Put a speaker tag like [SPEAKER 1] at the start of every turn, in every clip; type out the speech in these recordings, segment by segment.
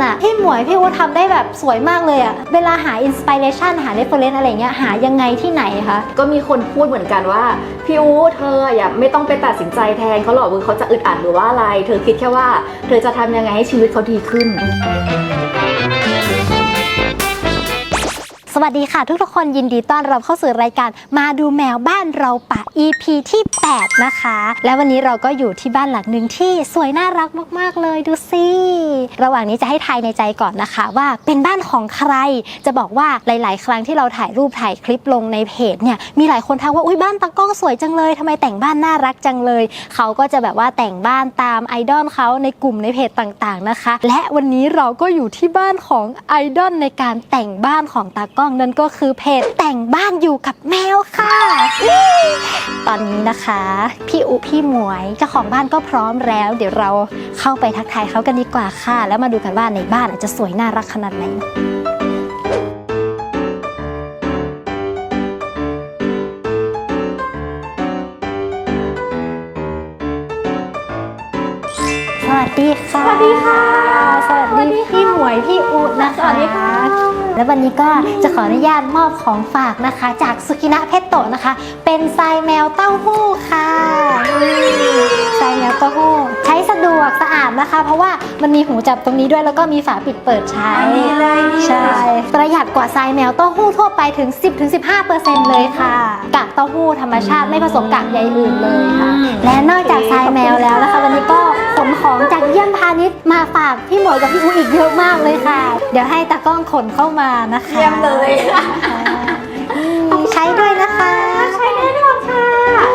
[SPEAKER 1] อ่ะพี่หมวยพี่อู๋ทำได้แบบสวยมากเลยอ่ะเวลาหาอินสปิเรชันหาเรฟเฟอเรนซ์อะไรเงี้ยหายังไงที่ไหนคะ
[SPEAKER 2] ก็มีคนพูดเหมือนกันว่าพี่อู๋เธออย่าไม่ต้องไปตัดสินใจแทนเขาหรอกว่าเขาจะอึดอัดหรือว่าอะไรเธอคิดแค่ว่าเธอจะทำยังไงให้ชีวิตเขาดีขึ้น
[SPEAKER 1] สวัสดีค่ะทุกคนยินดีต้อนรับเข้าสู่รายการมาดูแมวบ้านเราป่า EP ที่ 8 นะคะและวันนี้เราก็อยู่ที่บ้านหลังหนึ่งที่สวยน่ารักมากๆเลยดูสิระหว่างนี้จะให้ทายในใจก่อนนะคะว่าเป็นบ้านของใครจะบอกว่าหลายๆครั้งที่เราถ่ายรูปถ่ายคลิปลงในเพจเนี่ยมีหลายคนทักว่าอุ๊ยบ้านตากล้องสวยจังเลยทำไมแต่งบ้านน่ารักจังเลยเขาก็จะแบบว่าแต่งบ้านตามไอดอลเขาในกลุ่มในเพจต่างๆนะคะและวันนี้เราก็อยู่ที่บ้านของไอดอลในการแต่งบ้านของตากล้องนั่นก็คือเพจแต่งบ้านอยู่กับแมวค่ะตอนนี้นะคะพี่อุพี่หมวยเจ้าของบ้านก็พร้อมแล้วเดี๋ยวเราเข้าไปทักทายเขากันดีกว่าค่ะแล้วมาดูกันว่าในบ้านจะสวยน่ารักขนาดไหนสวัสดีค่ะ
[SPEAKER 2] สวัสดีค่ะ
[SPEAKER 1] สวัสดีพี่หมวยพี่อุนะคะ
[SPEAKER 2] สวัสดีค่ะ
[SPEAKER 1] และวันนี้ก็จะขออนุญาตมอบของฝากนะคะจากสุกินะเพชโตะนะคะเป็นทรายแมวเต้าหู้ค่ะทรายแมวเต้าหู้ใช้สะดวกสะอาดนะคะเพราะว่ามันมีหูจับตรงนี้ด้วยแล้วก็มีฝาปิดเปิดใช้ใช่ประหยัดกว่าทรายแมวเต้าหู้ทั่วไปถึง 10-15% เลยค่ะกากเต้าหู้ธรรมชาติไม่ผสมกากใยอื่นเลยค่ะและนอกจากทรายแมวแล้วนะคะวันนี้ก็ขนของจากเยี่ยมพาณิชย์มาฝากพี่หมวยกับพี่อู๋อีกเยอะมากเลยค่ะเดี๋ยวให้ตากล้องขนเข้ามานะคะ
[SPEAKER 2] เยี่ยมเลย
[SPEAKER 1] ใช้ด้วยนะคะ
[SPEAKER 2] ใช้แน่นอนค่ะ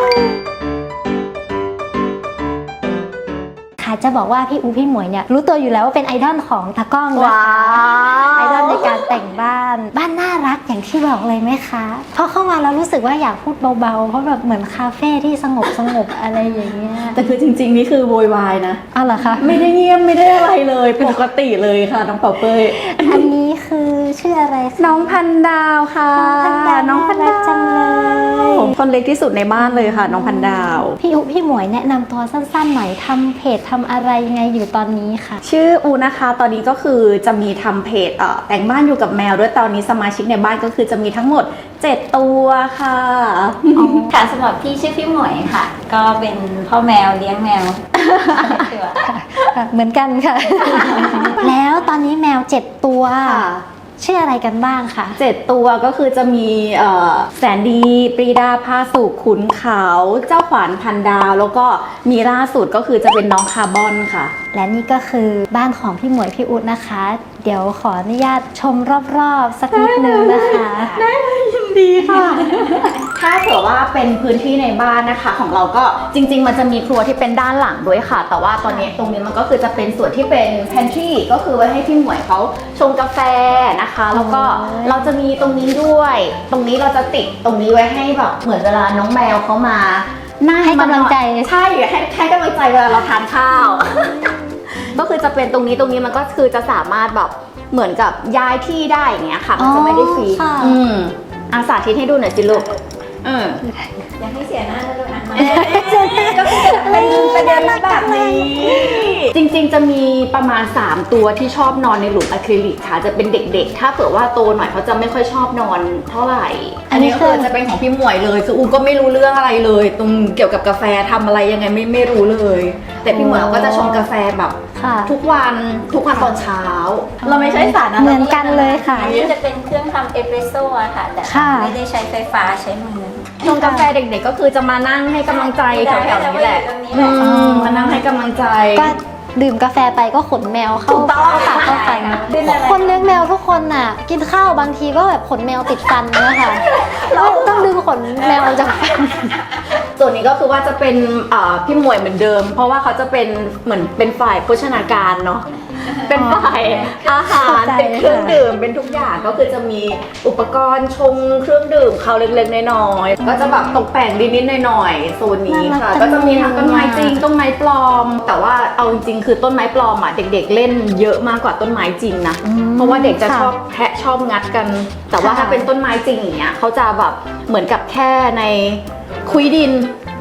[SPEAKER 1] จะบอกว่าพี่อูพี่หมวยเนี่ยรู้ตัวอยู่แล้วว่าเป็นไอดอลของตากล้องนะคะไอดอลในการแต่งบ้านน่ารักอย่างที่บอกเลยไหมคะพอเข้ามาแล้วรู้สึกว่าอยากพูดเบาๆเพราะแบบเหมือนคาเฟ่ที่สงบอะไรอย่างเงี้ย
[SPEAKER 2] แต่คือจริงๆนี่คือโวยวายนะ
[SPEAKER 1] อ้าวเหรอคะ
[SPEAKER 2] ไม่ได้เงียบไม่ได้อะไรเลยปกติเลยค่ะน้องเป่าเป้ย
[SPEAKER 1] อันนี้คือชื่ออะไร
[SPEAKER 2] น้องพันดาวค่ะ
[SPEAKER 1] น้องพันดาวจังเลย
[SPEAKER 2] คนเล็กที่สุดในบ้านเลยค่ะน้องพันดาว
[SPEAKER 1] พี่อูพี่หมวยแนะนำตัวสั้นๆหน่อยทำเพจทำอะไรยังไงอยู่ตอนนี้ค่ะ
[SPEAKER 2] ชื่ออูนะคะตอนนี้ก็คือจะมีทำเพจแต่งบ้านอยู่กับแมวด้วยตอนนี้สมาชิกในบ้านก็คือจะมีทั้งหมด7ตัวค่ะ
[SPEAKER 3] ค่ะสำหรับพี่ชื่อพี่หมวยค่ะก็เป็นพ่อแมวเลี้ยงแมว
[SPEAKER 1] เหมือนกันค่ะแล้วตอนนี้แมว7ตัวชื่ออะไรกันบ้างคะ
[SPEAKER 2] 7ตัวก็คือจะมีแสนดีปรีดาพาสุขขุนเขาเจ้าขวานพันดาวแล้วก็มีล่าสุดก็คือจะเป็นน้องคาร์บอนค่ะ
[SPEAKER 1] และนี่ก็คือบ้านของพี่หมวยพี่อุ๊ดนะคะเดี๋ยวขออนุญาตชมรอบๆสักนิดนึงนะคะ
[SPEAKER 2] ได้เลยยินดีค่ะถ้าเผื่อว่าเป็นพื้นที่ในบ้านนะคะของเราก็จริงๆมันจะมีครัวที่เป็นด้านหลังด้วยค่ะแต่ว่าตอนนี้ตรงนี้มันก็คือจะเป็นส่วนที่เป็น pantry ก็คือไว้ให้พี่หมวยเขาชงกาแฟนะคะแล้วก็เราจะมีตรงนี้ด้วยตรงนี้เราจะติดตรงนี้ไว้ให้แบบเหมือนเวลาน้องแมวเขามา
[SPEAKER 1] ให้กำลังใจ
[SPEAKER 2] ใช่ให้กำลังใจเวลาเราทานข้าวก็คือจะเป็นตรงนี้มันก็คือจะสามารถแบบเหมือนกับย้ายที่ได้อย่างเงี้ยค่ะมันจะไม่ได้ฟรีอาสาธิตให้ดูหน่อยสิลูก
[SPEAKER 3] อยากให้เสียหน้าแล้วด้วยนะ
[SPEAKER 2] ก็คือเป็นประเด็นแบบนี้จริงๆจะมีประมาณ3ตัวที่ชอบนอนในหลุมอะคริลิกค่ะจะเป็นเด็กๆถ้าเผื่อว่าโตหน่อยเขาจะไม่ค่อยชอบนอนเท่าไหร่อันนี้คือจะเป็นของพี่หมวยเลยคืออูก็ไม่รู้เรื่องอะไรเลยตรงเกี่ยวกับกาแฟทำอะไรยังไงไม่รู้เลยแต่พี่หมวยก็จะชงกาแฟแบบทุกวันตอนเช้าเราไม่ใช้สาร
[SPEAKER 1] เหมือนกันเลยค่ะ
[SPEAKER 3] อันนี้จะเป็นเครื่องทำเอสเปรสโซ่ค่ะแต่ไม่ได้ใช้ไฟฟ้าใช้มือ
[SPEAKER 2] ชงกาแฟเด็กๆก็คือจะมานั่งให้กำลังใจแถวๆนี้แหละมานั่งให้กำลังใจ
[SPEAKER 1] ก็ดื่มกาแฟไปก็ขนแมวเข้าปากเข้าฟันคนเลี้ยงแมวทุกคนน่ะกินข้าวบางทีก็แบบขนแมวติดฟันนะคะแล้วต้องดึงขนแมวจากฟัน
[SPEAKER 2] ส่วนนี้ก็คือว่าจะเป็นพี่หมวยเหมือนเดิมเพราะว่าเขาจะเป็นเหมือนเป็นฝ่ายโภชนาการเนาะเป็นฝ่ายอาหารเป็นเครื่องดื่มเป็นทุกอย่างก็คือจะมีอุปกรณ์ชงเครื่องดื่มเขาเล็กๆน้อยๆก็จะแบบตกแต่งนิดๆหน่อยๆโซนนี้ค่ะก็จะมีทั้งต้นไม้จริงต้นไม้ปลอมแต่ว่าเอาจริงๆคือต้นไม้ปลอมอ่ะเด็กๆเล่นเยอะมากกว่าต้นไม้จริงนะเพราะว่าเด็กจะชอบแทะชอบงัดกันแต่ว่าถ้าเป็นต้นไม้จริงอย่างเงี้ยเขาจะแบบเหมือนกับแค่ในคุยดิน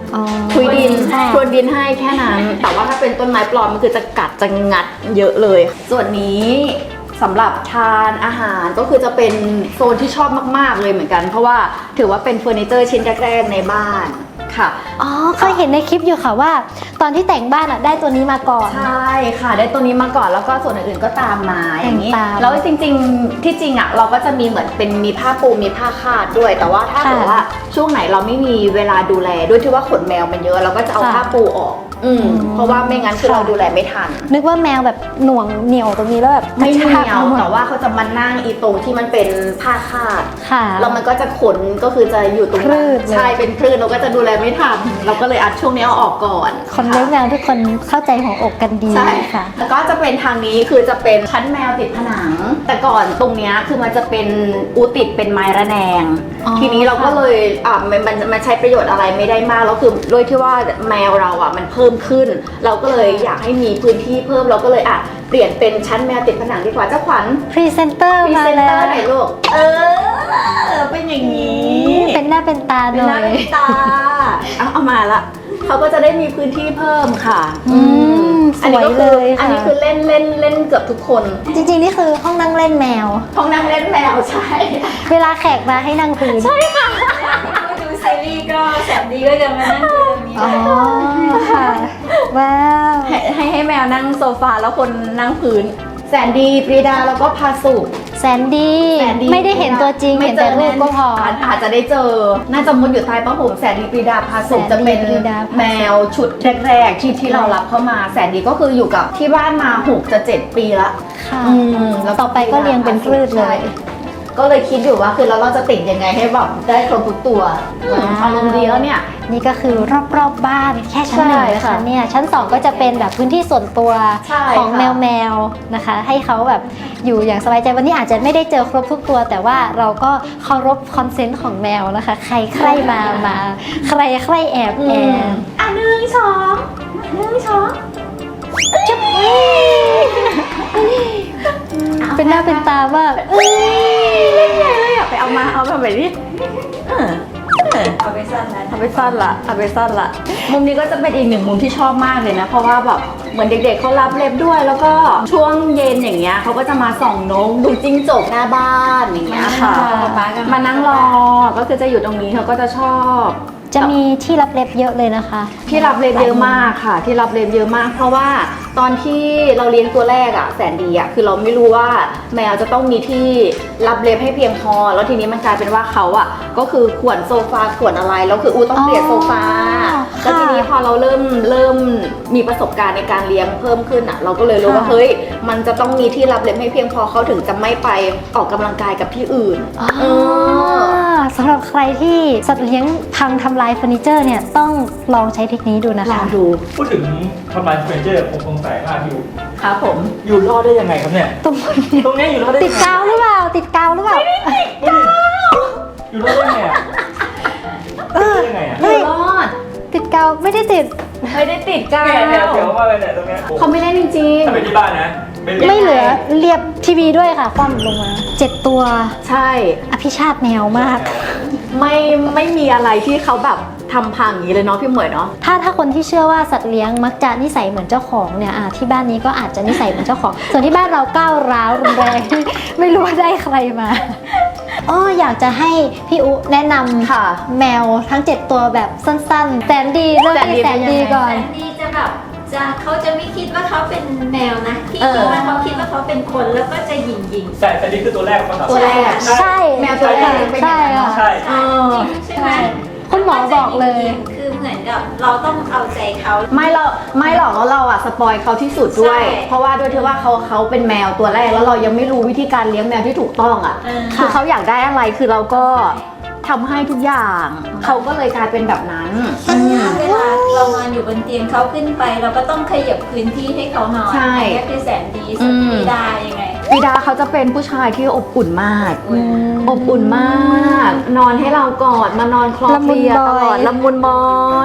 [SPEAKER 1] อ๋อ
[SPEAKER 2] คุยดิน
[SPEAKER 1] ค่ะ
[SPEAKER 2] พรวนดินให้แค่นั้น แต่ว่าถ้าเป็นต้นไม้ปลอมมันคือจะกัดจะงัดเยอะเลย ส่วนนี้สำหรับทานอาหารก็คือจะเป็นโซนที่ชอบมากๆเลยเหมือนกัน เพราะว่าถือว่าเป็นเฟอร์นิเจอร์ชิ้นแรกๆในบ้านค่ะ
[SPEAKER 1] อ๋อเคยเห็นในคลิปอยู่ค่ะว่า ตอนที่แต่งบ้านอ่ะได้ตัวนี้มาก่อน
[SPEAKER 2] ใช่ค่ะได้ตัวนี้มาก่อนแล้วก็ส่วนอื่นๆก็ตามมาอย่างนี้
[SPEAKER 1] ตาม
[SPEAKER 2] แล้วจริงๆที่จริงอ่ะเราก็จะมีเหมือนเป็นมีผ้าปูมีผ้าคาดด้วย แต่ว่าถ้า
[SPEAKER 1] ค่ะ
[SPEAKER 2] เกิดว่าช่วงไหนเราไม่มีเวลาดูแลด้วยที่ว่าขนแมวมันเยอะเราก็จะเอา
[SPEAKER 1] ค่ะ
[SPEAKER 2] ผ้าปูออกเพราะว่าไม่งั้นคือ
[SPEAKER 1] ค่ะ
[SPEAKER 2] เราดูแลไม่ทัน
[SPEAKER 1] นึกว่าแมวแบบหน่วงเหนียวตรงนี้แล้วแบบ
[SPEAKER 2] ไม่เหนี
[SPEAKER 1] กระชาก
[SPEAKER 2] ยว
[SPEAKER 1] อาหมด
[SPEAKER 2] แต่ว่าเขาจะมานั่งอีตรงที่มันเป็นผ้าคาด
[SPEAKER 1] ค่ะ
[SPEAKER 2] แล้วมันก็จะขนก็คือจะอยู่ตรง
[SPEAKER 1] คลื่
[SPEAKER 2] นั้น
[SPEAKER 1] นเลย
[SPEAKER 2] ใช่เป็นคลื่นเราก็จะดูแลไม่ทันเราก็เลยอัดช่วงนี้เอาออกก่อน
[SPEAKER 1] คนเลี้ยงแมวทุกคนเข้าใจหัวอกกันดี
[SPEAKER 2] ใช่
[SPEAKER 1] ค่ะ
[SPEAKER 2] แล้วก็จะเป็นทางนี้คือจะเป็นชั้นแมวติดผนัง แต่ก่อนตรงเนี้ยคือมันจะเป็นอูติดเป็นไม้ระแนง
[SPEAKER 1] อ๋อ
[SPEAKER 2] ทีนี้เราก็เลยมันใช้ประโยชน์อะไรไม่ได้มากแล้วคือด้วยที่ว่าแมวเราอ่ะมันเพิ่มขึ้น เราก็เลยอยากให้มีพื้นที่เพิ่มเราก็เลยเปลี่ยนเป็นชั้นแมวติดผนังดีกว่าเจ้าขวัญ
[SPEAKER 1] พรีเซนเตอร์
[SPEAKER 2] พรี
[SPEAKER 1] มา
[SPEAKER 2] เซนเต
[SPEAKER 1] แล้
[SPEAKER 2] อ
[SPEAKER 1] ว
[SPEAKER 2] ร์หน่อยลูกเป็นอย่างนี้
[SPEAKER 1] เป็นหน้าเป็นตาห
[SPEAKER 2] เป็น
[SPEAKER 1] น่
[SPEAKER 2] ห
[SPEAKER 1] อ
[SPEAKER 2] น้าย เป็นตาเอามาละเขาก็จะได้มีพื้นที่เพิ่มค่ะ
[SPEAKER 1] สวยเลยค่ะ
[SPEAKER 2] อันนี้คือเล่นเกือบทุกคน
[SPEAKER 1] จริงๆนี่คือห้องนั่งเล่นแมว
[SPEAKER 2] ห้องนั่งเล่นแมวใช่
[SPEAKER 1] เวลาแขกมาให้นั่งพื้น
[SPEAKER 3] ก็ดูซีรีส์ก็แสนดีก็จะมานั่งดูตรงนี้
[SPEAKER 1] อ๋อค่ะว้าว
[SPEAKER 2] ให้แมวนั่งโซฟาแล้วคนนั่งพื้น แสนดีปรีดาแล้วก็พาสุก
[SPEAKER 1] แสนดีไม่ได้เห็นตัวจริง
[SPEAKER 2] ไม่
[SPEAKER 1] เห็นแต่รูปก็พอ
[SPEAKER 2] อาจจะได้เจอ น่าจะมุดอยู่ใต้ผ้าห่มแสนดีปรีดาพาสุก
[SPEAKER 1] แสนดี
[SPEAKER 2] จะเป็น
[SPEAKER 1] ปรีดาพาสุก
[SPEAKER 2] แมวชุดแรกๆที่เรารับเข้ามาแสนดีก็คืออยู่กับที่บ้านมา6 จะ 7 ปีละ
[SPEAKER 1] ค่ะ
[SPEAKER 2] แล้ว
[SPEAKER 1] ต่อไปก็เรียงเป็นคลื่นเลย
[SPEAKER 2] ใช่ก็เลยคิดอยู่ว่าคือเราจะติดยังไงให้แบบได้ครบทุกตัว
[SPEAKER 1] ว้าว
[SPEAKER 2] อารมณ์ดีแล้วเนี่ย
[SPEAKER 1] นี่ก็คือรอบๆบ้านแค่ชั้นหนึ่ง
[SPEAKER 2] ใช่
[SPEAKER 1] นะคะ
[SPEAKER 2] ค่ะ
[SPEAKER 1] เนี่ยชั้น 2 ก็จะเป็นแบบพื้นที่ส่วนตัว
[SPEAKER 2] ใช่
[SPEAKER 1] ของ
[SPEAKER 2] ค่ะ
[SPEAKER 1] แมวนะคะ ให้เขาแบบอยู่อย่างสบายใจวันนี้อาจจะไม่ได้เจอครบทุกตัว แต่ว่าเราก็เคารพคอนเซนต์ของแมวนะคะ ใครใครมาใครใครแอบ
[SPEAKER 2] 1 2 1 2
[SPEAKER 1] จุ๊บเป็นหน้าเป็นตามาก
[SPEAKER 2] เล่นใหญ่เลยอ่ะไปเอามาแบบนี้
[SPEAKER 3] เอาไปสั้นนะ
[SPEAKER 2] เอาไปสั้นละมุมนี้ก็จะเป็นอีกหนึ่งมุมที่ชอบมากเลยนะ เพราะว่าแบบเหมือนเด็กๆเขารับเล็บด้วย แล้วก็ช่วงเย็นอย่างเงี้ยเขาก็จะมาส่องนกดูจิ้งจกหน้าบ้านอย่างเงี้ยค่ะ มานั่งรอก็คือจะอยู่ตรงนี้เขาก็จะชอบ
[SPEAKER 1] จะมีที่รับเล็บเยอะเลยนะคะ
[SPEAKER 2] ที่รับเล็บเยอะมากค่ะ ที่รับเล็บเยอะมาก เพราะว่าตอนที่เราเลี้ยงตัวแรกอะแสนดีอะคือเราไม่รู้ว่าแมวจะต้องมีที่รับเล็บให้เพียงพอแล้วทีนี้มันกลายเป็นว่าเขาอะก็คือข่วนโซฟาข่วนอะไรแล้วคืออูต้องเปลี่ยนโซฟา
[SPEAKER 1] ค่ะ
[SPEAKER 2] แล้วทีนี้พอเราเริ่มมีประสบการณ์ในการเลี้ยงเพิ่มขึ้นอะเราก็เลยรู้ว่า
[SPEAKER 1] ค่ะ
[SPEAKER 2] เฮ้ยมันจะต้องมีที่รับเล็บให้เพียงพอเขาถึงจะไม่ไปออกกำลังกายกับที่อื่น
[SPEAKER 1] สำหรับใครที่สัตว์เลี้ยงพังทำลายเฟอร์นิเจอร์เนี่ยต้องลองใช้เทคนิคดูนะ
[SPEAKER 2] ลอ
[SPEAKER 1] คะ
[SPEAKER 2] งดู
[SPEAKER 4] พูดถึงทำลายเฟอร์นิเจอร์ผมสงสัยมากอยู่
[SPEAKER 2] ครับผม
[SPEAKER 4] อยู่รอดได้ยังไงครับเนี่ย
[SPEAKER 1] ตรงนี้
[SPEAKER 4] ตรงเนี้ยอยู่รอดได้
[SPEAKER 1] ติด
[SPEAKER 4] ยังไง
[SPEAKER 1] กาวหรือเปล่า ติดกาวหรือเปล่า
[SPEAKER 4] อยู่รอดได้ยังไงอะ
[SPEAKER 1] เออ
[SPEAKER 4] ได้ยังไงอะ
[SPEAKER 2] อยู่รอด
[SPEAKER 1] ติดกาวไม่ได้ติด
[SPEAKER 2] ไม่ได้ติดกา
[SPEAKER 4] เนี่ยว เดี๋ยวมาเลยเนี่ยตรงเนี้ย
[SPEAKER 2] เขาไม่เล่นจริง
[SPEAKER 4] ถ้าเป็นที่บ้านนะ
[SPEAKER 1] ไม่เหลือเรียบทีวีด้วยค่ะ คว่ำลงมา 7 ตัว
[SPEAKER 2] ๆใช่
[SPEAKER 1] อภิชาติแมวมาก
[SPEAKER 2] ไม่มีอะไรที่เขาแบบทำพังอย่างนี้เลยเนาะพี่เหมยเนาะ
[SPEAKER 1] ถ้าคนที่เชื่อว่าสัตว์เลี้ยงมักจะนิสัยเหมือนเจ้าของเนี่ยที่บ้านนี้ก็อาจจะนิสัยเหมือนเจ้าของ ส่วนที่บ้านเราก้าวร้าวรุนแรง ไม่รู้ว่าได้ใครมาอยากจะให้พี่อุแนะนำ
[SPEAKER 2] ค่ะ
[SPEAKER 1] แมวทั้ง 7 ตัวแบบสั้นๆแสนดีเริ่มที่แสนดีก่อน
[SPEAKER 3] แสนดีจะแบบเขาจะไม่คิดว่าเขาเป็นแมวนะที่
[SPEAKER 2] เออ
[SPEAKER 3] คิดว่าเขาคิดว่าเขาเป็นคนแล้วก็จะหยิ่ง
[SPEAKER 4] แต่นี่คือตัวแรกของเขา
[SPEAKER 2] ตัวแรก
[SPEAKER 1] ใช่
[SPEAKER 2] แมวตัวแรกเป็นอย่างนั้นเนอะ
[SPEAKER 1] ใช่
[SPEAKER 4] ใช่
[SPEAKER 3] ๆใช่ไหม
[SPEAKER 1] คุณหมอบอกเลย
[SPEAKER 3] คือเหมือนกับเราต้องเอาใจเขา
[SPEAKER 2] ไม่หรอกแล้วเราอะสปอยเขาที่สุดด้วย
[SPEAKER 3] ใช่
[SPEAKER 2] เพราะว่าด้วยที่ว่าเขาเป็นแมวตัวแรกแล้วเรายังไม่รู้วิธีการเลี้ยงแมวที่ถูกต้องอะ
[SPEAKER 3] เออ
[SPEAKER 2] คือเขาอยากได้อะไรคือเราก็ทำให้ทุกอย่างเขาก็เลยกลายเป็นแบบนั้น
[SPEAKER 3] เวลาเรานอนอยู่บนเตียงเขาขึ้นไป เราก็ต้องขยับพื้นที่ให้เขานอน
[SPEAKER 2] ใช่
[SPEAKER 3] อันนี้คือแสนดีสุดที่ได้ยังไง
[SPEAKER 2] บิดาเขาจะเป็นผู้ชายที่อบอุ่นมาก อบอุ่นมาก นอนให้เรากอดมานอนคลอเคลียร์ตลอดละมุนบอย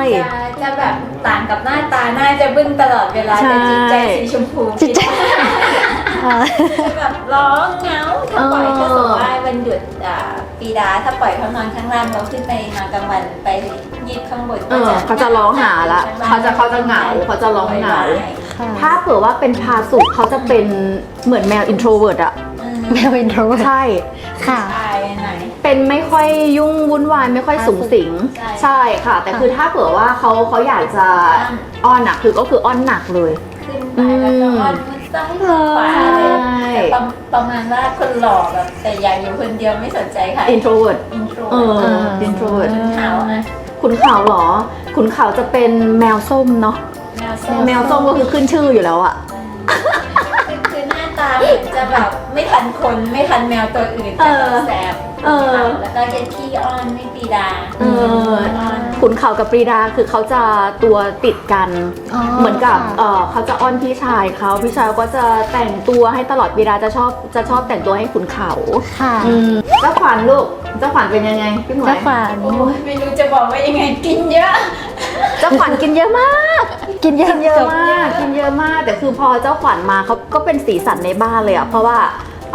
[SPEAKER 3] จะแบบต่างกับหน้าตาหน้าจะบึ้งตลอดเวลา
[SPEAKER 2] ใช่
[SPEAKER 3] แต่จิตใจสีชมพู
[SPEAKER 1] จิตใจ
[SPEAKER 3] จะแบบร้องเหงาถ้าปล่อยก็สมมติว่าวันหยุดปีดาถ้าปล่อยเขานอนข้างล่างเราขึ้นไปนอนกลางวันไปยีบข้างบน
[SPEAKER 2] เขาจะร้องหาละเขาจะเหงาเขาจะร้องเหงา ถ้าเผื่อว่าเป็นพาสุเขาจะเป็นเหมือนแมวอินโทรเวิร์ตอะ
[SPEAKER 1] แมวอินโทรเวิร์ต
[SPEAKER 2] ใช่
[SPEAKER 1] ค่ะ
[SPEAKER 3] ตายหน่อย
[SPEAKER 2] เป็นไม่ค่อยยุ่งวุ่นวายไม่ค่อยสูงสิง ใช่ค่ะ แต่คือถ้าเผื่อว่าเขาอยากจะอ้อนอะคือก็คืออ้อนหนักเลย
[SPEAKER 3] ขึ้นไปแล้วก็อ้อนมันซ้ายขวาเลยแต่ประมาณว่าคนหล่อแบบแต่อยากอยู่คนเดียวไม่สนใจค่ะ
[SPEAKER 2] อินโทรเวิร์ต
[SPEAKER 3] อินโทร
[SPEAKER 2] อินโทรเวิร์ต
[SPEAKER 3] ขาวนะ
[SPEAKER 2] ขุนเขาเหรอขุนเขาจะเป็นแมวส้มเนาะ แมวส้มก็คือขึ้นชื่ออยู่แล้วอะ
[SPEAKER 3] คือหน้าตาเหมือนจะแบบไม่ทันคนไม่ทันแมวตัวอื่นแต่แบบแสบแล้วก็จะขี้อ้อนไม่ปีดาอ้อน
[SPEAKER 2] ขุนเขากับปรีดาคือเขาจะตัวติดกัน
[SPEAKER 1] อ๋อ
[SPEAKER 2] เหมือนกับ
[SPEAKER 1] ค่ะ
[SPEAKER 2] เขาจะอ้อนพี่ชายเขาพี่ชายก็จะแต่งตัวให้ตลอดปรีดาจะชอบแต่งตัวให้ขุนเขา
[SPEAKER 1] ค่ะ
[SPEAKER 2] เจ้าขวัญลูกเจ้าขวัญเป็นยังไงพี่หมวย
[SPEAKER 1] เจ้าขวัญ
[SPEAKER 3] โอ้ยไม่รู้จะบอกว่ายังไงกินเยอะ
[SPEAKER 2] เจ้าขวัญกินเยอะมาก
[SPEAKER 1] กินเยอะ
[SPEAKER 2] กินเยอะมากกินเยอะมากแต่คือพอเจ้าขวัญมาเขาก็เป็นสีสันในบ้านเลยอะเพราะว่า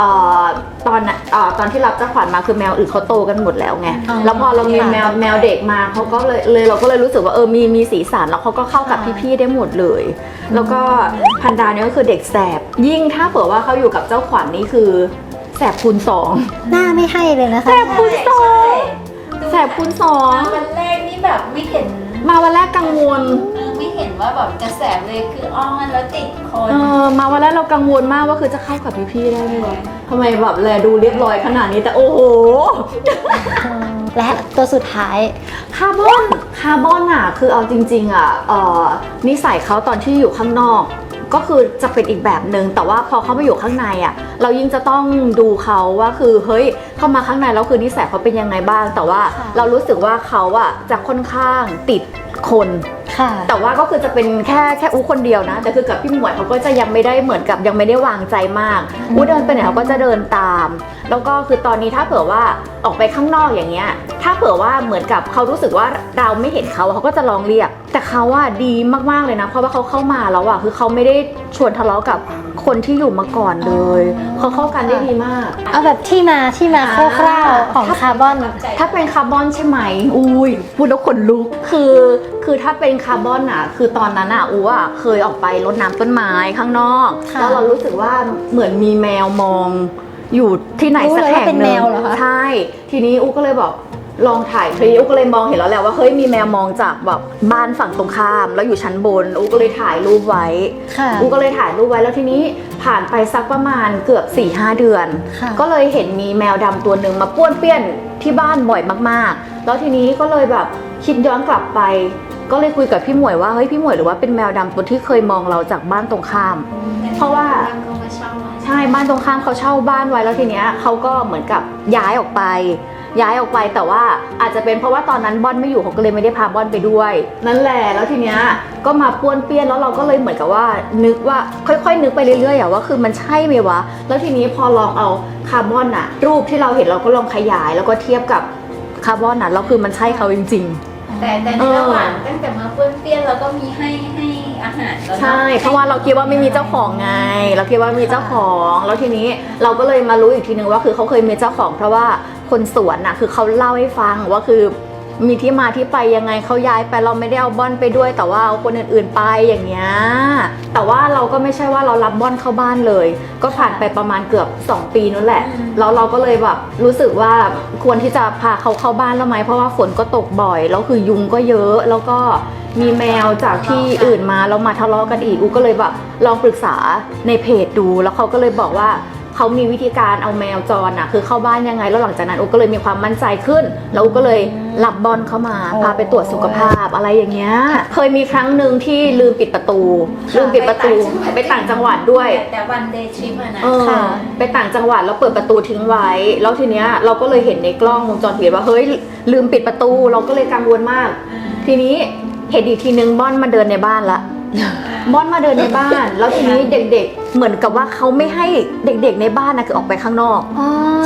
[SPEAKER 2] ตอนที่รับเจ้าขวัญมาคือแมวอื่นเขาโตกันหมดแล้วไงแล้วพอเรามีแมวเด็กมาเขาก็เลยเราก็เลยรู้สึกว่ามีสีสันแล้วเขาก็เข้ากับพี่ๆได้หมดเลย แล้วก็พันดาเนี่ยก็คือเด็กแสบยิ่งถ้าเผื่อว่าเขาอยู่กับเจ้าขวัญนี่คือแสบคูณสอง
[SPEAKER 1] หน้าไม่ให้เลยนะคะ
[SPEAKER 2] แสบคูณสองแสบคูณสอง
[SPEAKER 3] วันแรกนี่แบบไม่เห็น
[SPEAKER 2] มาวันแรกกังวล
[SPEAKER 3] ไม่เห็นว่าแบบจะแสบเลยคืออ้อนแล้วติดคน
[SPEAKER 2] มาวันแรกเรากังวลมากว่าคือจะเข้ากับพี่ๆได้ไหมวะทำไมแบบแลดูเรียบร้อยขนาดนี้แต่โอ้โห
[SPEAKER 1] และตัวสุดท้าย
[SPEAKER 2] คาร์บอนอ่ะคือเอาจริงๆอ่ะนิสัยเขาตอนที่อยู่ข้างนอกก็คือจะเป็นอีกแบบหนึ่งแต่ว่าพอเขามาอยู่ข้างในอ่ะเรายิ่งจะต้องดูเขาว่าคือเฮ้ยเข้ามาข้างในแล้วคือนิสัยเขาเป็นยังไงบ้างแต่ว่าเรารู้สึกว่าเขาอ่ะจะค่อนข้างติดคน
[SPEAKER 1] ค่ะ
[SPEAKER 2] แต่ว่าก็คือจะเป็นแค่อู้คนเดียวนะแต่คือกับพี่หมวยเขาก็จะยังไม่ได้เหมือนกับยังไม่ได้วางใจมากอู้เดินไปไหนเขาก็จะเดินตาม แล้วก็คือตอนนี้ถ้าเผื่อว่าออกไปข้างนอกอย่างเงี้ยถ้าเผื่อว่าเหมือนกับเขารู้สึกว่าเราไม่เห็นเขาก็จะร้องเรียกแต่เขาว่าดีมากๆเลยนะเพราะว่าเขาเข้ามาแล้วอ่ะคือเขาไม่ได้ชวนทะเลาะกับคนที่อยู่มาก่อนเลยเขาเข้ากันได้ดีมาก
[SPEAKER 1] เอาแบบที่มาคร่าวๆของคาร์บอน
[SPEAKER 2] ถ้าเป็นคาร์บอนใช่ไหมอุ้ยพูดแล้วขนลุกคือถ้าเป็นคาร์บอนอ่ะคือตอนนั้นอ่ะอูอ่ะเคยออกไปรดน้ำต้นไม้ข้างนอก
[SPEAKER 1] ค่ะ
[SPEAKER 2] แล้วเรารู้สึกว่าเหมือนมีแมวมองอยู่ที่ไหนสักแห่ง
[SPEAKER 1] รู้เลยว่าเป็น
[SPEAKER 2] ห
[SPEAKER 1] แม
[SPEAKER 2] นึ่ง
[SPEAKER 1] วเหรอคะ
[SPEAKER 2] ใช่ทีนี้อูก็เลยบอกลองถ่ายคลิปอูก็เลยมองเห็นแล้วแหละว่าเฮ้ยมีแมวมองจากแบบบ้านฝั่งตรงข้ามแล้วอยู่ชั้นบนอูก็เลยถ่ายรูปไว้
[SPEAKER 1] ค่ะ
[SPEAKER 2] อูก็เลยถ่ายรูปไว้แล้วทีนี้ผ่านไปสักประมาณเกือบ 4-5 เดือน
[SPEAKER 1] ค่ะ
[SPEAKER 2] ก็เลยเห็นมีแมวดำตัวหนึ่งมาป้วนเปี้ยนที่บ้านบ่อยมากๆ แล้วทีนี้ก็เลยแบบคิดย้อนกลับไป ก็เลยคุยกับพี่หมวยว่าเฮ้ยพี่หมวยหรือว่าเป็นแมวดำตัวที่เคยมองเราจากบ้านตรงข้าม เพราะว่า
[SPEAKER 3] ก็มาเช่ามา
[SPEAKER 2] ใช่บ้านตรงข้ามเขาเช่าบ้านไว้แล้วทีเนี้ยเขาก็เหมือนกับย้ายออกไปแต่ว่าอาจจะเป็นเพราะว่าตอนนั้นบอนไม่อยู่เขาก็เลยไม่ได้พาบอนไปด้วย นั่นแหละแล้วทีเนี้ยก็มาป้วนเปี้ยนแล้วเราก็เลยเหมือนกับว่านึกว่าค่อยๆนึกไปเรื่อยๆอะว่าคือมันใช่ไหมวะแล้วทีนี้พอลองเอาคาร์บอนอะรูปที่เราเห็นเราก็ลองขยายแล้วก็เทียบกับคาร์บอนอะแล้วคือมันใช่เขาจริงๆ
[SPEAKER 3] แต่ในระหว่างตั้งแต่มาเปื้อนเปี้ยนเราก็มีให้อาหารแล้วนะ
[SPEAKER 2] ใช่เพราะว่าเราคิดว่าไม่มีเจ้าของไงเราคิดว่ามีเจ้าของแล้วทีนี้เราก็เลยมารู้อีกทีนึงว่าคือเขาเคยมีเจ้าของเพราะว่าคนสวนน่ะคือเขาเล่าให้ฟังว่าคือมีที่มาที่ไปยังไงเขาย้ายไปเราไม่ได้เอาบอนไปด้วย แต่ว่าเอาคนอื่นๆไปอย่างเงี้ยแต่ว่าเราก็ไม่ใช่ว่าเรารับบอนเข้าบ้านเลย ก็ผ่านไปประมาณเกือบ2 ปีนั่นแหละแล้วเราก็เลยแบบรู้สึกว่าควรที่จะพาเขาเข้าบ้านแล้วไหมเพราะว่าฝนก็ตกบ่อยแล้วคือยุงก็เยอะแล้วก็มีแมวจากที่อื่นมาแล้วมาทะเลาะกันอีกอูก็เลยแบบลองปรึกษาในเพจดูแล้วเขาก็เลยบอกว่าเขามีวิธีการเอาแมวจรน่ะคือเข้าบ้านยังไงแล้วหลังจากนั้นอูก็เลยมีความมั่นใจขึ้นแล้วอูก็เลยรับบอลเข้ามาพาไปตรวจสุขภาพอะไรอย่างเงี้ยเคยมีครั้งหนึ่งที่ลืมปิดประตูไปต่างจังหวัดด้วย
[SPEAKER 3] แต่วันเดย์ทริปอะนะ
[SPEAKER 2] ไปต่างจังหวัดแล้วเปิดประตูทิ้งไว้แล้วทีเนี้ยเราก็เลยเห็นในกล้องวงจรปิดว่าเฮ้ยลืมปิดประตูเราก็เลยกังวลมาก ทีนี้เห็นอีกทีนึงบอนมาเดินในบ้านละบอนมาเดินในบ้านแล้วทีนี้เด็กๆเหมือนกับว่าเขาไม่ให้เด็กๆในบ้านนะคือออกไปข้างนอก
[SPEAKER 1] อ๋อ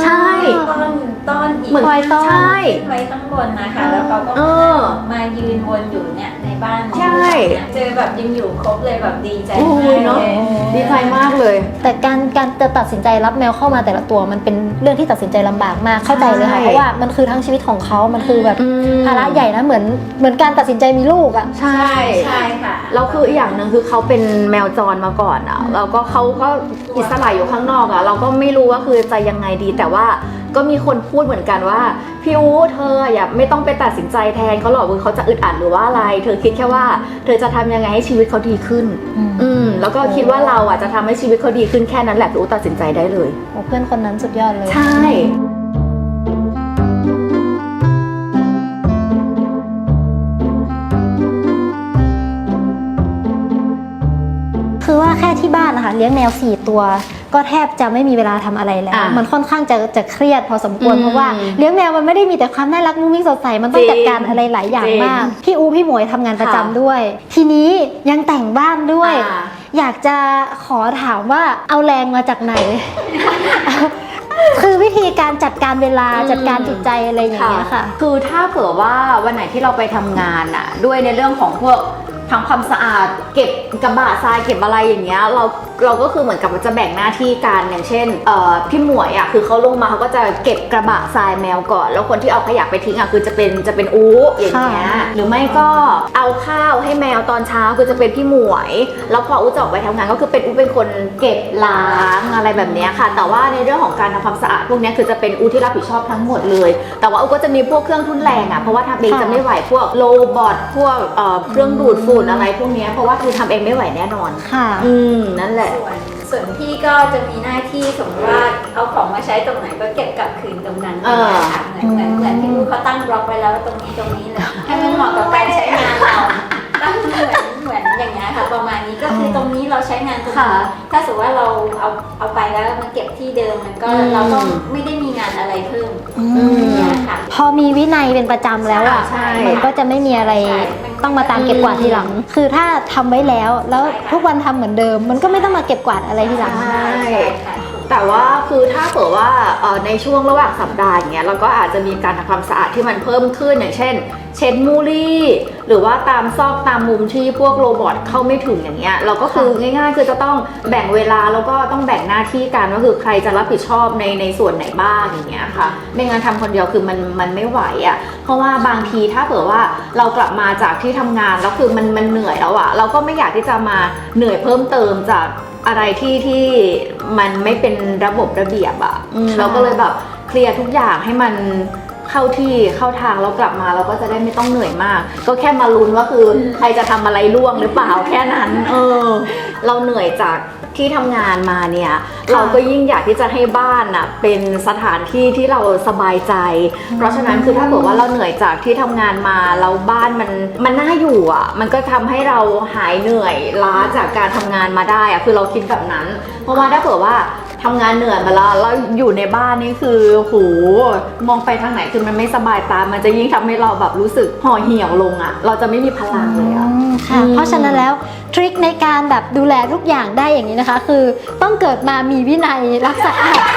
[SPEAKER 2] ใช่
[SPEAKER 3] ต้อนอีก
[SPEAKER 2] เหมือน
[SPEAKER 1] คอยต้อน
[SPEAKER 2] ใช่
[SPEAKER 3] ไว้ข้างบนนะคะ แล้วเขาก็
[SPEAKER 2] เออ
[SPEAKER 3] มายืนวนอยู่เนี่ยในบ้าน
[SPEAKER 2] ใช่
[SPEAKER 3] เจอแบบยังอยู่ครบเลยแบบดีใจ
[SPEAKER 2] โอ้
[SPEAKER 3] มาย ก
[SPEAKER 2] เนาะ
[SPEAKER 3] เลย
[SPEAKER 2] ดีใจมากเลย
[SPEAKER 1] แต่การจะตัดสินใจรับแมวเข้ามาแต่ละตัวมันเป็นเรื่องที่ตัดสินใจลำบากมากเข้าใจเลยค่ะ
[SPEAKER 2] ใช่
[SPEAKER 1] เพราะว่ามันคือทั้งชีวิตของเขามันคือแบบภาระใหญ่นะเหมือนการตัดสินใจมีลูกอ่ะ
[SPEAKER 2] ใช่
[SPEAKER 3] ใช่ค่ะ
[SPEAKER 2] แล้วคืออีกอย่างหนึ่งคือเขาเป็นแมวจรมาก่อนอ่ะแล้วก็เขาก็อิสระอยู่ข้างนอกอ่ะเราก็ไม่รู้ว่าคือจะยังไงดี แต่ว่าก็มีคนพูดเหมือนกันว่าพี่อู๋เธออย่าไม่ต้องไปตัดสินใจแทนเขาหรอกว่าเขาจะอึดอัดหรือว่าอะไร เธอคิดแค่ว่าเธอจะทำยังไงให้ชีวิตเขาดีขึ้น แล้วก็คิดว่าเราอ่ะจะทำให้ชีวิตเขาดีขึ้นแค่นั้นแหละพี่อู๋ตัดสินใจได้เลย
[SPEAKER 1] โอ้เพื่อนคนนั้นสุดยอดเลย
[SPEAKER 2] ใช่
[SPEAKER 1] คือว่าแค่ที่บ้านนะคะเลี้ยงแมว4ตัวก็แทบจะไม่มีเวลาทำอะไรแล้ว มันค่อนข้างจะเครียดพอสมควรเพราะว่าเลี้ยงแมวมันไม่ได้มีแต่ความน่ารักมุ้งมิ้งสดใสมันต้องจัดการอะไรหลายอย่างมากพี่อูพี่หมวยทำงานประจำด้วย ทีนี้ยังแต่งบ้านด้วย อยากจะขอถามว่าเอาแรงมาจากไหน คือวิธีการจัดการเวลาจัดการจิตใจอะไรอย่างเงี้ยค่ะ
[SPEAKER 2] คือถ้าเผื่อว่าวันไหนที่เราไปทำงานอะด้วยในเรื่องของพวกทำความสะอาดเก็บกระบะทรายเก็บอะไรอย่างเงี้ยเราก็คือเหมือนกับว่าจะแบ่งหน้าที่กันอย่างเช่นพี่หมวยอะคือเขาลงมาเขาก็จะเก็บกระบะทรายแมวก่อนแล้วคนที่เอาขยะไปทิ้งอะคือจะเป็นอู๋อย่างเงี้ยหรือไม่ก็เอาข้าวให้แมวตอนเช้าคือจะเป็นพี่หมวยแล้วพออู๋จะออกไปทำงานก็คือเป็นอู๋เป็นคนเก็บล้างอะไรแบบเนี้ยค่ะแต่ว่าในเรื่องของการทำความสะอาดพวกเนี้ยคือจะเป็นอู๋ที่รับผิดชอบทั้งหมดเลยแต่ว่าอู๋ก็จะมีพวกเครื่องทุนแรงอะเพราะว่าทำเองจะไม่ไหวพวกโรบอทพวกเครื่องดูดฝุ่นอะไรพวกเนี้ยเพราะว่าคือทำเองไม่ไหวแน่นอน
[SPEAKER 1] ค่ะ
[SPEAKER 2] นั่นแหละ
[SPEAKER 3] ส่วนพี่ก็จะมีหน้าที่สมมติว่าเอาของมาใช้ตรงไหนก็เก็บกลับคืนตรงนั้นนะคะเหมือนพี่ลูกเขาตั้งบล็อกไว้แล้วตรงนี้เลยให้มันเหมาะกับการใช้งานเราตั้งเหมือนอย่างเงี้ยค่ะประมาณนี้ก็คือตรงนี้เราใช้งานตรงนี้ถ้าสมมติว่าเราเอาไปแล้วมันเก็บที่เดิมมันก็เราก็ไม่ได้มีงานอะไรเพิ่มเนี่ยค่ะ
[SPEAKER 1] พอมีวินัยเป็นประจำแล้วอ่ะ
[SPEAKER 3] ใช่
[SPEAKER 1] มันก็จะไม่มีอะไรต้องมาตามเก็บกวาดทีหลัง คือถ้าทำไว้แล้วทุกวันทำเหมือนเดิม มันก็ไม่ต้องมาเก็บกวาดอะไรทีหลัง
[SPEAKER 2] ใช่ แต่ว่าคือถ้าเผื่อว่าในช่วงระหว่างสัปดาห์อย่างเงี้ยเราก็อาจจะมีการทำความสะอาดที่มันเพิ่มขึ้นอย่างเช่น เช็ดมูลี่หรือว่าตามซอกตามมุมที่พวกโรบอทเข้าไม่ถึงอย่างเงี้ยเราก็คือง่ายๆคือจะต้องแบ่งเวลาแล้วก็ต้องแบ่งหน้าที่กันว่าคือใครจะรับผิดชอบในส่วนไหนบ้างอย่างเงี้ยค่ะไม่งั้นทำคนเดียวคือมันไม่ไหวอ่ะเพราะว่าบางทีถ้าเผื่อว่าเรากลับมาจากที่ทำงานแล้วคือมันเหนื่อยแล้วอ่ะเราก็ไม่อยากที่จะมาเหนื่อยเพิ่มเติมจากอะไรที่มันไม่เป็นระบบระเบียบอ่ะเราก็เลยแบบเคลียร์ทุกอย่างให้มันเข้าที่เข้าทางแล้วกลับมาเราก็จะได้ไม่ต้องเหนื่อยมากก็แค่มาลุ้นว่าคือใครจะทำอะไรล่วงหรือเปล่าแค่นั้นเราเหนื่อยจากที่ทำงานมาเนี่ยเราก็ยิ่งอยากที่จะให้บ้านอ่ะเป็นสถานที่ที่เราสบายใจ เพราะฉะนั้นคือถ้าเกิดว่าเราเหนื่อยจากที่ทำงานมาแล้วบ้านมันน่าอยู่อ่ะมันก็ทำให้เราหายเหนื่อยล้าจากการทำงานมาได้อ่ะคือเราคิดแบบนั้น เพราะว่าถ้าเกิดว่าทำงานเหนื่อยมาแล้วอยู่ในบ้านนี่คือโหมองไปทางไหนคือมันไม่สบายตามันจะยิ่งทำให้เราแบบรู้สึกห่อเหี่ยวลงอ่ะเราจะไม่มีพลังเลยอ่ะ
[SPEAKER 1] ค่ะ เพราะฉะนั้นแล้วทริคในการแบบดูแลทุกอย่างได้อย่างนี้นะคะ คือต้องเกิดมามีวินัยรักษา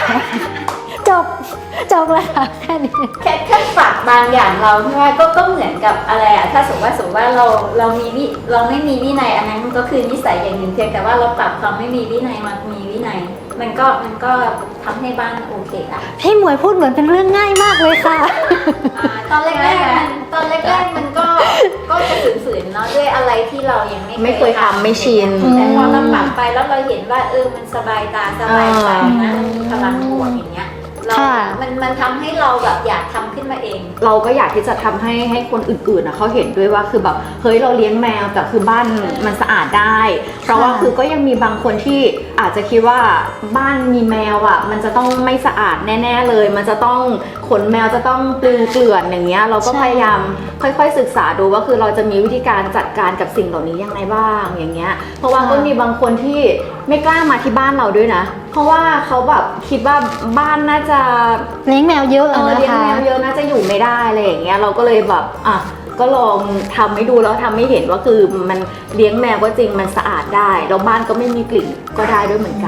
[SPEAKER 1] จบเลยค่ะแค่นี้
[SPEAKER 3] แค่ปรับบางอย่างเราใช่ไหมก็เหมือนกับอะไรอะถ้าสมมติว่าเราไม่มีวินัยอันนั้นมันก็คือนิสัยอย่างหนึ่งเพียงแต่ว่าเราปรับความไม่มีวินัยมามีวินัยมันก็ทำให้บ้านโอเคละ
[SPEAKER 1] พี่หมวยพูดเหมือนเป็นเรื่องง่ายมากเลยค่ะ
[SPEAKER 3] ตอนแรกมันก็จะฝืนๆเนาะด้วยอะไรที่เรายังไม่เคย
[SPEAKER 2] ทำไม่ชิน
[SPEAKER 3] แต่พอเราปรับไปแล้วเราเห็นว่ามันสบายตาสบายใจนะมันมีพลังบวกอย่างเงี้ยมันทำให้เราแบบอยากทำขึ้นมาเอง
[SPEAKER 2] เราก็อยากที่จะทำให้คนอื่นๆเขาเห็นด้วยว่าคือแบบเฮ้ยเราเลี้ยงแมวแต่คือบ้านมันสะอาดได้ เพราะว่าคือก็ยังมีบางคนที่อาจจะคิดว่าบ้านมีแมวอ่ะมันจะต้องไม่สะอาดแน่ๆเลยมันจะต้องขนแมวจะต้องปลิวเกลื่อนอย่างเงี้ยเราก็พยายามค่อยๆศึกษาดูว่าคือเราจะมีวิธีการจัดการกับสิ่งเหล่านี้ยังไงบ้างอย่างเงี้ยเพราะว่าก็มีบางคนที่ไม่กล้ามาที่บ้านเราด้วยนะเพราะว่าเขาแบบคิดว่าบ้านน่าจะ
[SPEAKER 1] เลี้ยงแมวเยอะนะคะ
[SPEAKER 2] เลี้ยงแมวเยอะน่าจะอยู่ไม่ได้อะไรอย่างเงี้ยเราก็เลยแบบก็ลองทำให้ดูแล้วทำให้เห็นว่าคือมันเลี้ยงแมวก็จริงมันสะอาดได้แล้วบ้านก็ไม่มีกลิ่นก็ได้ด้วยเหมือนกัน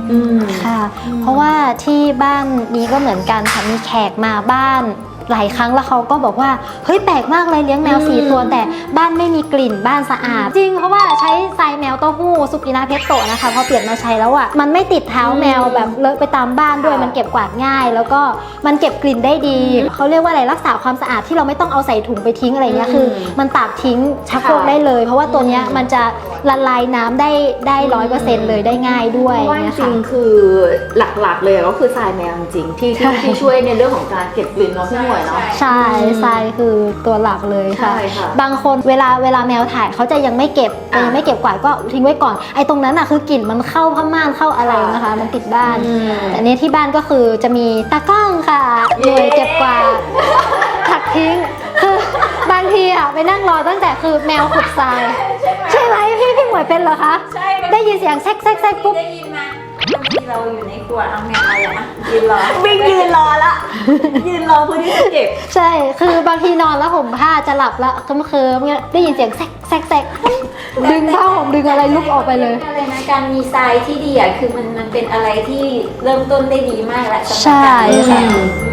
[SPEAKER 1] ค่ะ เพราะว่าที่บ้านนี้ก็เหมือนกันค่ะมีแขกมาบ้านหลายครั้งแล้วเขาก็บอกว่าเฮ้ยแปลกมากเลยเลี้ยงแมว4 ตัวแต่บ้านไม่มีกลิ่นบ้านสะอาดจริงเพราะว่าใช้ทรายแมวเต้าหู้สุกินาเพชโตะนะคะพอเปลี่ยนมาใช้แล้วอ่ะมันไม่ติดเท้าแมวแบบเลอะไปตามบ้านด้วยมันเก็บกวาดง่าย แล้วก็มันเก็บกลิ่นได้ดีเขาเรียกว่าอะไรรักษาความสะอาดที่เราไม่ต้องเอาใส่ถุงไปทิ้งอะไรเงี้ยคือมันตากทิ้งชักโครกได้เลย เพราะว่าตัวเนี้ยมันจะละลายน้ำได้100%เลยได้ง่ายด้วย
[SPEAKER 2] เพราะว่าจ
[SPEAKER 1] เนี่ย
[SPEAKER 2] ริ
[SPEAKER 1] ค่ะ
[SPEAKER 2] งๆคือหลักๆเลยก็คือทรายแมวจริงๆที่ช่วยในเรื่องของการเก็บกลิ่นเนาะพี่หมวยเนาะ
[SPEAKER 1] ใช่ทรายคือตัวหลักเลยค่ะ
[SPEAKER 2] ใช่ค่ะ
[SPEAKER 1] บางคนเวลาแมวถ่ายเขาจะยังไม่เก็บยังไม่เก็บกวาดก็ทิ้งไว้ก่อนไอ้ตรงนั้นอ่ะคือกลิ่นมันเข้าผ้าม่านเข้าอะไรนะคะ มันติดบ้านแต่เนี้ยที่บ้านก็คือจะมีตากล้องค่ะหน่วยเก็บกวาดถักทิ้งคือบางทีอ่ะไปนั่งรอตั้งแต่คือแมวขุดทรายใช่ไหมพี่หมวยเป็นเหรอคะ
[SPEAKER 3] ใช่
[SPEAKER 1] ได้ยินเสียงแซกแซกแซกปุ๊บ
[SPEAKER 3] ได้ยินมาบางทีเราอยู่ในครัวเอาแมวอะไรอะยืนรอ
[SPEAKER 2] วิ่งยืนรอละยืนรอเพื่อที่จะเก็บ
[SPEAKER 1] ใช่ คือบางทีนอนแล้วห่มผ้าจะหลับแล้วเคิมๆเงี้ยได้ยินเสียงแซกแซกแซกดึงผ้าห่มดึงอะไรลุกออกไปเลย
[SPEAKER 3] อะไรนะการมีทรายที่ดีอ่ะคือมันเป็นอะไรที่เริ่มต้นได้ดีมากแล้วสำหรับ
[SPEAKER 1] ใช่
[SPEAKER 3] การมี
[SPEAKER 1] ค่ะ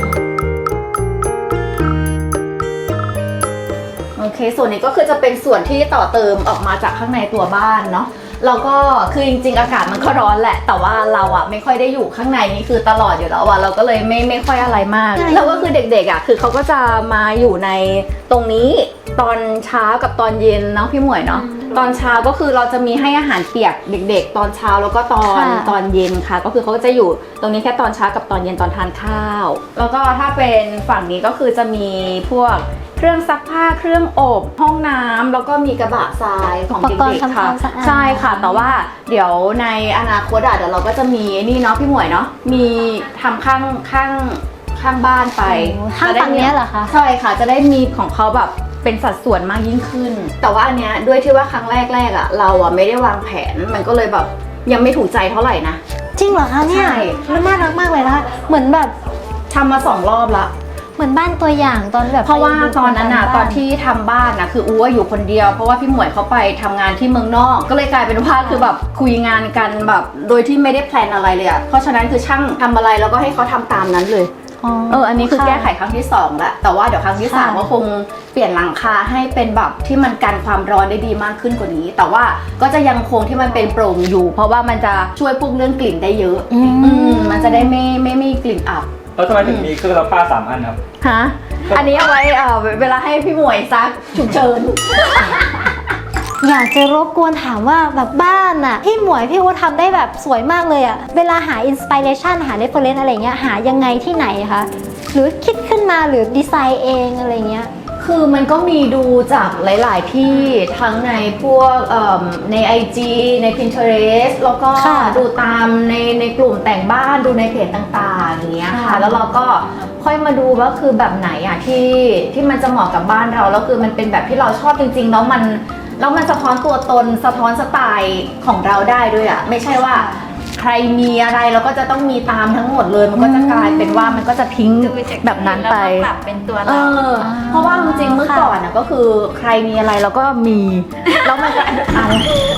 [SPEAKER 2] โอเค ส่วนนี้ก็คือจะเป็นส่วนที่ต่อเติมออกมาจากข้างในตัวบ้านเนาะแล้วก็คือจริงๆอากาศมันก็ร้อนแหละ แต่ว่าเราอะไม่ค่อยได้อยู่ข้างในนี่คือตลอดอยู่แล้วอะเราก็เลยไม่ค่อยอะไรมาก
[SPEAKER 1] ใช่
[SPEAKER 2] แล้วก็คือเด็กๆอะคือเขาก็จะมาอยู่ในตรงนี้ตอนเช้ากับตอนเย็นเนาะพี่หมวยเนาะตอนเช้าก็คือเราจะมีให้อาหารเปียกเด็กๆ ตอนเช้าแล้วก็ตอนเย็นค่ะ ก็คือเขาก็จะอยู่ตรงนี้แค่ตอนเช้ากับตอนเย็นตอนทานข้าว แล้วก็ถ้าเป็นฝั่งนี้ก็คือจะมีพวกเครื่องซักผ้าเครื่องอบห้องน้ำแล้วก็มีกระบะทรายของ
[SPEAKER 1] อุปกรณ์
[SPEAKER 2] เด็กๆค่ะ
[SPEAKER 1] ทำความสะอาด
[SPEAKER 2] ใช่ค่ะ แต่ว่าเดี๋ยวในอนาคตเดี๋ยวเราก็จะมีนี่เนาะพี่หมวยเนาะมีทำข้างบ้านไป
[SPEAKER 1] ข้างฝั่งเนี้ยเหรอคะ
[SPEAKER 2] ใช่ค่ะจะได้มีของเขาแบบเป็นสัดส่วนมากยิ่งขึ้น แต่ว่าอันเนี้ยด้วยที่ว่าครั้งแรกอะเราอะไม่ได้วางแผนมันก็เลยแบบยังไม่ถูกใจเท่าไหร่นะ
[SPEAKER 1] จริงเหรอคะเนี่ย
[SPEAKER 2] ใช่
[SPEAKER 1] มันน่ารักมากเลยนะคะเหมือนแบบ
[SPEAKER 2] ทำมา2 รอบละ
[SPEAKER 1] เหมือนบ้านตัวอย่างตอนแบบ
[SPEAKER 2] เพราะว่า
[SPEAKER 1] ไปดู
[SPEAKER 2] ตอนนั้นอะ
[SPEAKER 1] บ้า
[SPEAKER 2] ตอนที่ทำบ้านนะคืออู๋อยู่คนเดียวเพราะว่าพี่หมวยเขาไปทำงานที่เมืองนอก ก็เลยกลายเป็นว่าคือแบบคุยงานกันแบบโดยที่ไม่ได้แพลนอะไรเลยอะเพราะฉะนั้นคือช่างทำอะไรแล้วก็ให้เขาทำตามนั้นเลย อันนี้คือแก้ไขครั้งที่2แล้วแต่ว่าเดี๋ยวครั้งที่3ก็คงเปลี่ยนหลังคาให้เป็นแบบที่มันกันความร้อนได้ดีมากขึ้นกว่านี้ แต่ว่าก็จะยังคงที่มันเป็นโปร่งอยู่ เพราะว่ามันจะช่วยพวกเรื่องกลิ่นได้เยอะมันจะได้ไม่มีกลิ่นอับ
[SPEAKER 4] แล้วทำไมถึงมีเครื่องซักผ้า3 อันครับ
[SPEAKER 2] ฮะอันนี้เอาไว้เวลาให้พี่หมวยซักฉุกเฉิน
[SPEAKER 1] อยากจะรบกวนถามว่าแบบบ้านอะพี่หมวยพี่อู๋ทำได้แบบสวยมากเลยอะเวลาหาอินสปิเรชันหาเรฟเฟอเรนซ์อะไรเงี้ยหายังไงที่ไหนคะหรือคิดขึ้นมาหรือดีไซน์เองอะไรเงี้ย
[SPEAKER 2] คือมันก็มีดูจากหลาย ๆ ที่ทั้งในพวกใน IG ใน Pinterest แล้วก็
[SPEAKER 1] ค่ะ
[SPEAKER 2] ดูตามในกลุ่มแต่งบ้านดูในเพจต่าง ๆ อย่างเงี้ยค่ะ
[SPEAKER 1] ค่ะ
[SPEAKER 2] แล้วเราก็ค่อยมาดูว่าคือแบบไหนอ่ะที่มันจะเหมาะกับบ้านเราแล้วคือมันเป็นแบบที่เราชอบจริง ๆ แล้วมันสะท้อนตัวตนสะท้อนสไตล์ของเราได้ด้วยอ่ะไม่ใช่ว่าใครมีอะไรเราก็จะต้องมีตามทั้งหมดเลยมันก็จะกลายเป็นว่ามันก็จะทิ้งแบบนั้นไป
[SPEAKER 3] แล้วก็ปรับเป็นตัว
[SPEAKER 2] เอ
[SPEAKER 3] เรา
[SPEAKER 2] อเพราะว่าจริงๆเมื่อก่อนนะก็คือใครมีอะไรเราก็มี แล้วมันก็อะไร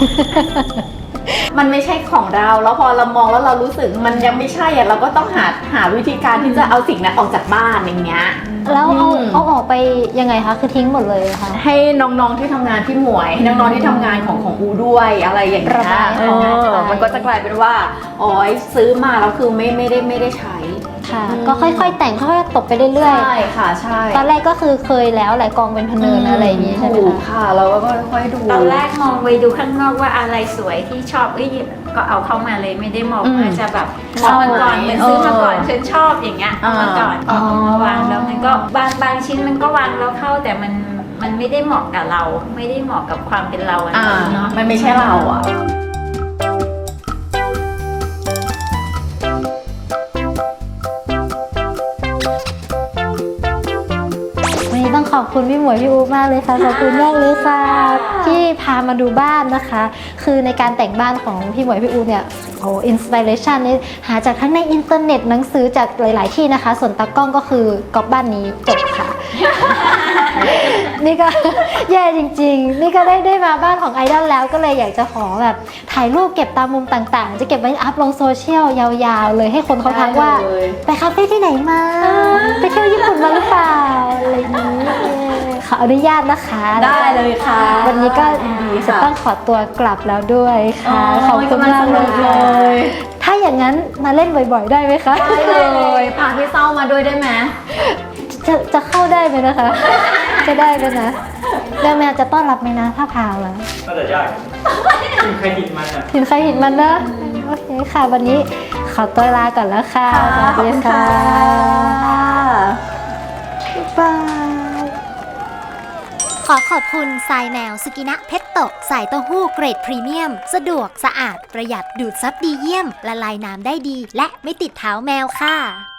[SPEAKER 2] มันไม่ใช่ของเราแล้วพอเรามองแล้วเรารู้สึกมันยังไม่ใช่อะเราก็ต้องหาวิธีการที่จะเอาสิ่งนั้นออกจากบ้านอย่างเงี้ย
[SPEAKER 1] แล้วเอาออกไปยังไงคะคือทิ้งหมดเลยเหรอคะ
[SPEAKER 2] ให้น้องๆที่ทำงานที่หมวยให้น้องๆที่ทำงานของอูด้วยอะไรอย่างเงี้
[SPEAKER 1] ระบาย
[SPEAKER 2] ย
[SPEAKER 1] ของงานไป
[SPEAKER 2] มันก็จะกลายเป็นว่าอ๋อซื้อมาแล้วคือไม่ได้ใช้
[SPEAKER 1] ค่ะ ก็ค่อยๆแต่งค่อยๆตบไปเรื่อย
[SPEAKER 2] ใช่ค่ะใช่
[SPEAKER 1] ๆตอนแรกก็คือเคยแล้วแหละกองเป็นพะเนินอะไรอย่างงี้ใช่ไหม
[SPEAKER 2] ถูก
[SPEAKER 1] คะ
[SPEAKER 2] ค่ะเราก็ค่อยๆดู
[SPEAKER 3] ตอนแรกมองไปดูข้างนอกว่าอะไรสวยที่ชอบก็เอาเข้ามาเลยไม่ได้มองว่าจะแบบมองมาก่อนเหมือนซื้อมาก่อนฉันชอบอย่างเงี้ยเอามาก่อนเอามาวางแล้วมันก็บางชิ้นมันก็วางแล้วเข้าแต่มันไม่ได้เหมาะกับเรา ไม่ได้เหมาะกับความเป็นเราอะเนาะ
[SPEAKER 2] มันไม่ใช่เราอ่ะ
[SPEAKER 1] วันนี้ต้องขอบคุณพี่หมวยพี่อูมากเลยค่ะขอบคุณมากเลยค่ะที่พามาดูบ้านนะคะ คือในการแต่งบ้านของพี่หมวยพี่อูเนี่ยโอ้อินสปิเรชันนี่หาจากทั้งในอินเทอร์เน็ตหนังสือจากหลาย ๆ ที่นะคะ ส่วนตากล้องก็คือกอบบ้านนี้จบค่ะนี่ก็ แย่จริงๆ นี่ก็ได้มาบ้านของไอดอลแล้วก็เลยอยากจะขอแบบถ่ายรูปเก็บตามมุมต่างๆ จะเก็บไว้อัพลงโซเชียลยาวๆเลยให้คนเขาทักว่า
[SPEAKER 2] ได้เลย
[SPEAKER 1] ไปคาเฟ่ที่ไหนมา ไปเที่ยวญี่ปุ่นมาหรือเปล่าอะไรอย่างนี้ขออนุญาตนะคะ
[SPEAKER 2] ได้เลยค่ะ
[SPEAKER 1] วันนี้ก็
[SPEAKER 2] ยินดี
[SPEAKER 1] จะ
[SPEAKER 2] ค่ะ
[SPEAKER 1] ต้องขอตัวกลับแล้วด้วยค่ะขอบคุณ
[SPEAKER 2] กำลัง
[SPEAKER 1] มาก
[SPEAKER 2] สนุก
[SPEAKER 1] เล
[SPEAKER 2] เลย ย
[SPEAKER 1] ถ้าอย่างนั้นมาเล่นบ่อยๆได้ไหมคะ
[SPEAKER 2] ได้เลยพาพี่เศร้ามาด้วยได้ไหม
[SPEAKER 1] จะเข้าได้ไหมนะคะ จะได้ไหมนะแมวจะต้อนรับไหมนะถ้าพามา
[SPEAKER 4] น่าจะยากกินใครกินมันอ่ะ
[SPEAKER 1] หินใครหินมันนะโอเคค่ะ วันนี้ขอตัวลาก่อนแล้วค่ะ
[SPEAKER 2] ค่ะขอบคุณค่ะ
[SPEAKER 1] บาย
[SPEAKER 5] ขอขอบคุณทรายแนวสกินะเพชโตะสายเต้าหู้เกรดพรีเมียม สะดวกสะอาดประหยัดดูดซับดีเยี่ยมละลายน้ำได้ดี และไม่ติดเท้าแมวค่ะ